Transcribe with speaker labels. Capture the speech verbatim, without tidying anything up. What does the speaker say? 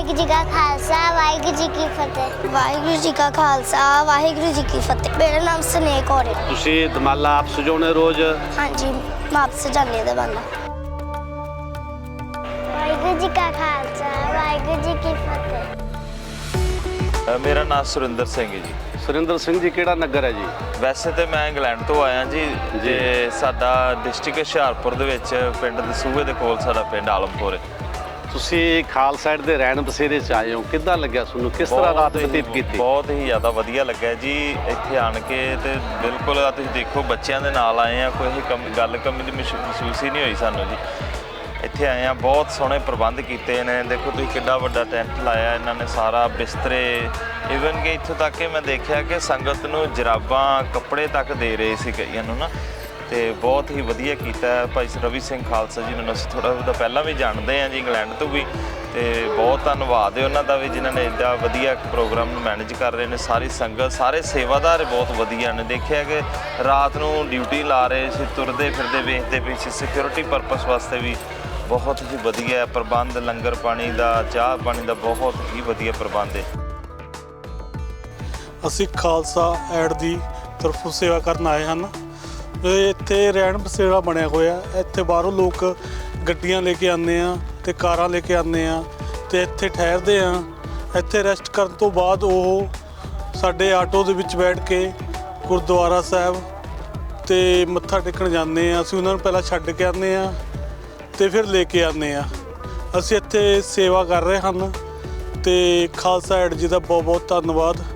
Speaker 1: ਵਾਹਿਗੁਰੂ ਜੀ ਕਾ ਖਾਲਸਾ ਵਾਹਿਗੁਰੂ ਜੀ ਕੀ ਫਤਿਹ। ਵਾਹਿਗੁਰੂ ਜੀ ਕਾ ਖਾਲਸਾ ਵਾਹਿਗੁਰੂ ਜੀ ਕੀ ਫਤਿਹ। ਮੇਰਾ ਨਾਮ ਸਨੇਹ ਕੌਰ ਹੈ।
Speaker 2: ਤੁਸੀਂ ਦਮਾਲਾ ਆਪ ਸਜਾਉਂਦੇ ਰੋਜ਼?
Speaker 1: ਹਾਂਜੀ, ਮੈਂ ਆਪ ਸਜਾਉਂਦੀ ਹਾਂ ਦਮਾਲਾ। ਵਾਹਿਗੁਰੂ ਜੀ ਕਾ ਖਾਲਸਾ ਵਾਹਿਗੁਰੂ ਜੀ ਕੀ ਫਤਿਹ।
Speaker 3: ਮੇਰਾ ਨਾਮ ਸੁਰਿੰਦਰ ਸਿੰਘ ਹੈ ਜੀ।
Speaker 2: ਸੁਰਿੰਦਰ ਸਿੰਘ ਜੀ, ਕਿਹੜਾ ਨਗਰ ਹੈ ਜੀ?
Speaker 3: ਵੈਸੇ ਤੇ ਮੈਂ ਇੰਗਲੈਂਡ ਤੋਂ ਆਇਆ ਜੀ ਤੇ ਸਾਡਾ ਡਿਸਟ੍ਰਿਕਟ ਹੁਸ਼ਿਆਰਪੁਰ ਦੇ ਵਿੱਚ ਪਿੰਡ ਦਸੂਹੇ ਦੇ ਕੋਲ ਸਾਡਾ ਪਿੰਡ ਆਲਮਪੁਰ ਹੈ।
Speaker 2: ਤੁਸੀਂ ਖਾਲਸਾ ਸਾਈਡ ਦੇ ਰਹਿਣ ਬਸੇਰੇ 'ਚ ਆਏ ਹੋ, ਕਿੱਦਾਂ ਲੱਗਿਆ ਤੁਹਾਨੂੰ? ਕਿਸ ਤਰ੍ਹਾਂ ਰਾਤ ਬਤੀਤ ਕੀਤੀ?
Speaker 3: ਬਹੁਤ ਹੀ ਜ਼ਿਆਦਾ ਵਧੀਆ ਲੱਗਿਆ ਜੀ ਇੱਥੇ ਆਣ ਕੇ। ਤੇ ਬਿਲਕੁਲ ਆ ਤੁਸੀਂ ਦੇਖੋ ਬੱਚਿਆਂ ਦੇ ਨਾਲ ਆਏ ਆ, ਕੋਈ ਕਮ ਗੱਲ ਕਮੀ ਦੀ ਮਹਿਸੂਸ ਹੀ ਨਹੀਂ ਹੋਈ ਸਾਨੂੰ ਜੀ। ਇੱਥੇ ਆਏ ਆ, ਬਹੁਤ ਸੋਹਣੇ ਪ੍ਰਬੰਧ ਕੀਤੇ ਨੇ। ਦੇਖੋ ਤੁਸੀਂ ਕਿੱਡਾ ਵੱਡਾ ਟੈਂਟ ਲਾਇਆ ਇਹਨਾਂ ਨੇ, ਸਾਰਾ ਬਿਸਤਰੇ, ਈਵਨ ਕਿ ਇੱਥੋਂ ਤੱਕ ਕਿ ਮੈਂ ਦੇਖਿਆ ਕਿ ਸੰਗਤ ਨੂੰ ਜਰਾਬਾਂ ਕੱਪੜੇ ਤੱਕ ਦੇ ਰਹੇ ਸੀ ਕਈਆਂ ਨੂੰ ਨਾ। ਤੇ ਬਹੁਤ ਹੀ ਵਧੀਆ ਕੀਤਾ ਭਾਈ ਰਵੀ ਸਿੰਘ ਖਾਲਸਾ ਜੀ ਨੂੰ ਅਸੀਂ ਥੋੜ੍ਹਾ ਉਹਦਾ ਪਹਿਲਾਂ ਵੀ ਜਾਣਦੇ ਹਾਂ ਜੀ, ਇੰਗਲੈਂਡ ਤੋਂ ਵੀ। ਤੇ ਬਹੁਤ ਧੰਨਵਾਦ ਹੈ ਉਹਨਾਂ ਦਾ ਵੀ ਜਿਨ੍ਹਾਂ ਨੇ ਇੱਡਾ ਵਧੀਆ ਪ੍ਰੋਗਰਾਮ ਨੂੰ ਮੈਨੇਜ ਕਰ ਰਹੇ ਨੇ। ਸਾਰੀ ਸੰਗਤ, ਸਾਰੇ ਸੇਵਾਦਾਰ ਬਹੁਤ ਵਧੀਆ ਨੇ। ਦੇਖਿਆ ਕਿ ਰਾਤ ਨੂੰ ਡਿਊਟੀ ਲਾ ਰਹੇ ਸੀ, ਤੁਰਦੇ ਫਿਰਦੇ ਵੇਖਦੇ ਪਏ ਸੀ। ਸਿਕਿਉਰਿਟੀ ਪਰਪਸ ਵਾਸਤੇ ਵੀ ਬਹੁਤ ਹੀ ਵਧੀਆ ਪ੍ਰਬੰਧ, ਲੰਗਰ ਪਾਣੀ ਦਾ, ਚਾਹ ਪਾਣੀ ਦਾ ਬਹੁਤ ਹੀ ਵਧੀਆ ਪ੍ਰਬੰਧ ਹੈ।
Speaker 4: ਅਸੀਂ ਖਾਲਸਾ ਐਡ ਦੀ ਤਰਫੋਂ ਸੇਵਾ ਕਰਨ ਆਏ ਹਨ। ਇੱਥੇ ਰਹਿਣ ਬਸੇਰਾ ਬਣਿਆ ਹੋਇਆ। ਇੱਥੇ ਬਾਹਰੋਂ ਲੋਕ ਗੱਡੀਆਂ ਲੈ ਕੇ ਆਉਂਦੇ ਆ ਅਤੇ ਕਾਰਾਂ ਲੈ ਕੇ ਆਉਂਦੇ ਆ ਅਤੇ ਇੱਥੇ ਠਹਿਰਦੇ ਆ। ਇੱਥੇ ਰੈਸਟ ਕਰਨ ਤੋਂ ਬਾਅਦ ਉਹ ਸਾਡੇ ਆਟੋ ਦੇ ਵਿੱਚ ਬੈਠ ਕੇ ਗੁਰਦੁਆਰਾ ਸਾਹਿਬ ਅਤੇ ਮੱਥਾ ਟੇਕਣ ਜਾਂਦੇ ਆ। ਅਸੀਂ ਉਹਨਾਂ ਨੂੰ ਪਹਿਲਾਂ ਛੱਡ ਕੇ ਆਉਂਦੇ ਆ ਅਤੇ ਫਿਰ ਲੈ ਕੇ ਆਉਂਦੇ ਆ। ਅਸੀਂ ਇੱਥੇ ਸੇਵਾ ਕਰ ਰਹੇ ਹਨ ਅਤੇ ਖਾਲਸਾ ਐਡ ਜੀ ਦਾ ਬਹੁਤ ਬਹੁਤ ਧੰਨਵਾਦ।